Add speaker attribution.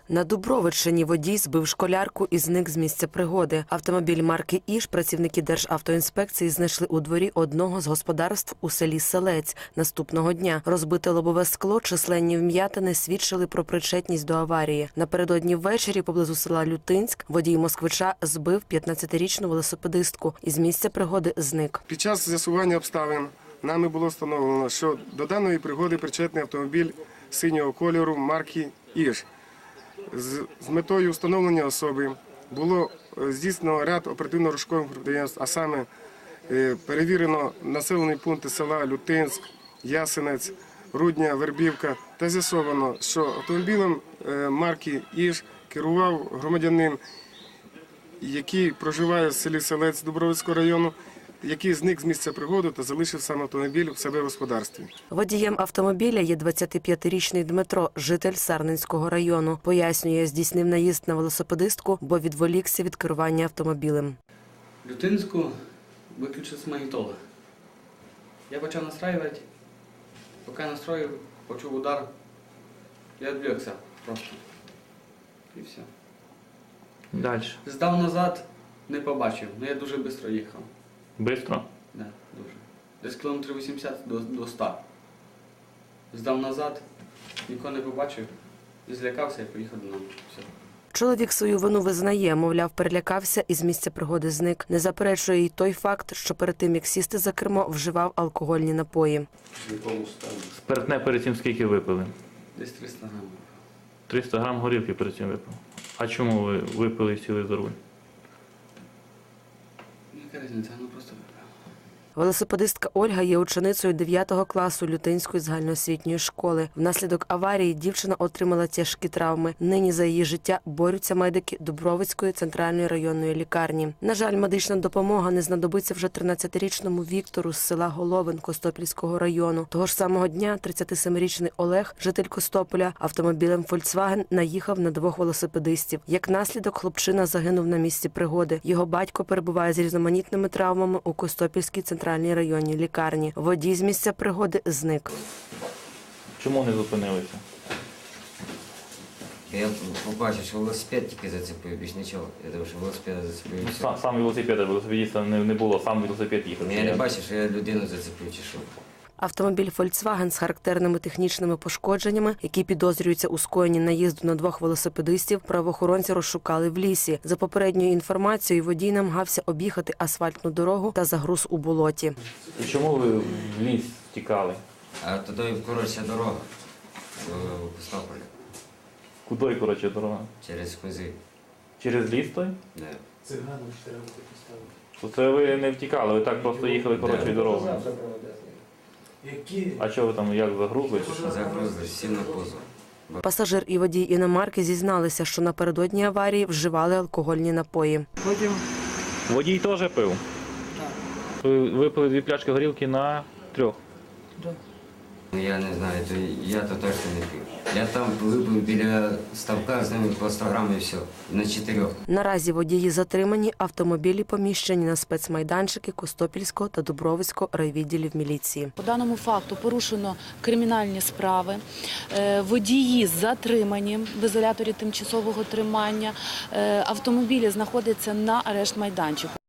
Speaker 1: На Дубровичині водій збив школярку і зник з місця пригоди. Автомобіль марки «Іж» працівники Державтоінспекції знайшли у дворі одного з господарств у селі Селець. Наступного дня розбите лобове скло, численні вм'ятини свідчили про причетність до аварії. Напередодні ввечері поблизу села Лютинськ водій москвича збив 15-річну велосипедистку і з місця пригоди зник.
Speaker 2: Під час з'ясування обставин нами було встановлено, що до даної пригоди причетний автомобіль синього кольору марки «Іж». З метою встановлення особи було здійснено ряд оперативно-розшукових підприємств, а саме перевірено населені пункти села Лютинськ, Ясенець, Рудня, Вербівка та з'ясовано, що автомобілем марки «Іж» керував громадянин, який проживає в селі Селець Дубровицького району, який зник з місця пригоди та залишив сам автомобіль в себе в господарстві.
Speaker 1: Водієм автомобіля є 25-річний Дмитро, житель Сарненського району. Пояснює, здійснив наїзд на велосипедистку, бо відволікся від керування автомобілем.
Speaker 3: Лютинську виключився магнітола. Я почав настраювати. Поки настроїв, почув удар. Я відвлекся просто. І все.
Speaker 4: Далі.
Speaker 3: Здав назад, не побачив, але я дуже швидко їхав.
Speaker 4: Бистро?
Speaker 3: Да, дуже. Десь кілометрів 80 до 100. Здав назад, нікого не побачив, і злякався і поїхав додому. Все.
Speaker 1: Чоловік свою вину визнає, мовляв, перелякався і з місця пригоди зник. Не заперечує й той факт, що перед тим, як сісти за кермо, вживав алкогольні напої.
Speaker 4: Спиртне перед цим скільки випили?
Speaker 3: Десь 300 грамів.
Speaker 4: 300 грам горілки перед цим випили. А чому ви випили і сіли за руль?
Speaker 3: Яка різниця, ну просто випив.
Speaker 1: Велосипедистка Ольга є ученицею 9 класу Лютинської загальноосвітньої школи. Внаслідок аварії дівчина отримала тяжкі травми. Нині за її життя борються медики Дубровицької центральної районної лікарні. На жаль, медична допомога не знадобиться вже 13-річному Віктору з села Головин Костопільського району. Того ж самого дня 37-річний Олег, житель Костополя, автомобілем «Фольксваген» наїхав на двох велосипедистів. Як наслідок, хлопчина загинув на місці пригоди. Його батько перебуває з різноманітними травмами у Костопільській центральній районній лікарні. Водій з місця пригоди зник.
Speaker 4: Чому не зупинилися?
Speaker 5: Я побачив, що велосипед тільки зацепив, більш нічого. Я думав, що велосипед зацепив. і все.
Speaker 4: Сам велосипедиста не було, сам велосипед їхав.
Speaker 5: Я не бачив, що я людину зацепив чи що.
Speaker 1: Автомобіль «Фольксваген» з характерними технічними пошкодженнями, які підозрюються у скоєнні наїзду на двох велосипедистів, правоохоронці розшукали в лісі. За попередньою інформацією, водій намагався об'їхати асфальтну дорогу та загруз у болоті.
Speaker 4: І чому ви в ліс тікали?
Speaker 5: А туди коротша дорога в Костополі,
Speaker 4: Куди, коротше, дорога?
Speaker 5: через Кози.
Speaker 4: Через ліс той?
Speaker 5: Да.
Speaker 4: То це ви не втікали, ви так просто їхали коротшою дорогою. А що ви там, як загрузли чи що?
Speaker 5: Загрузили, сів на позов.
Speaker 1: Пасажир і водій іномарки зізналися, що напередодні аварії вживали алкогольні напої.
Speaker 4: Водій теж пив? Так. Ви випили 2 пляшки горілки на 3?
Speaker 5: Ну, я не знаю, я то точно не пив. Я там випив біля ставка, з ними по 100 грам і все, на 4.
Speaker 1: Наразі водії затримані, автомобілі поміщені на спецмайданчики Костопільського та Дубровицького райвідділів міліції.
Speaker 6: По даному факту порушено кримінальні справи, водії затримані в ізоляторі тимчасового тримання, автомобілі знаходяться на арешт-майданчику.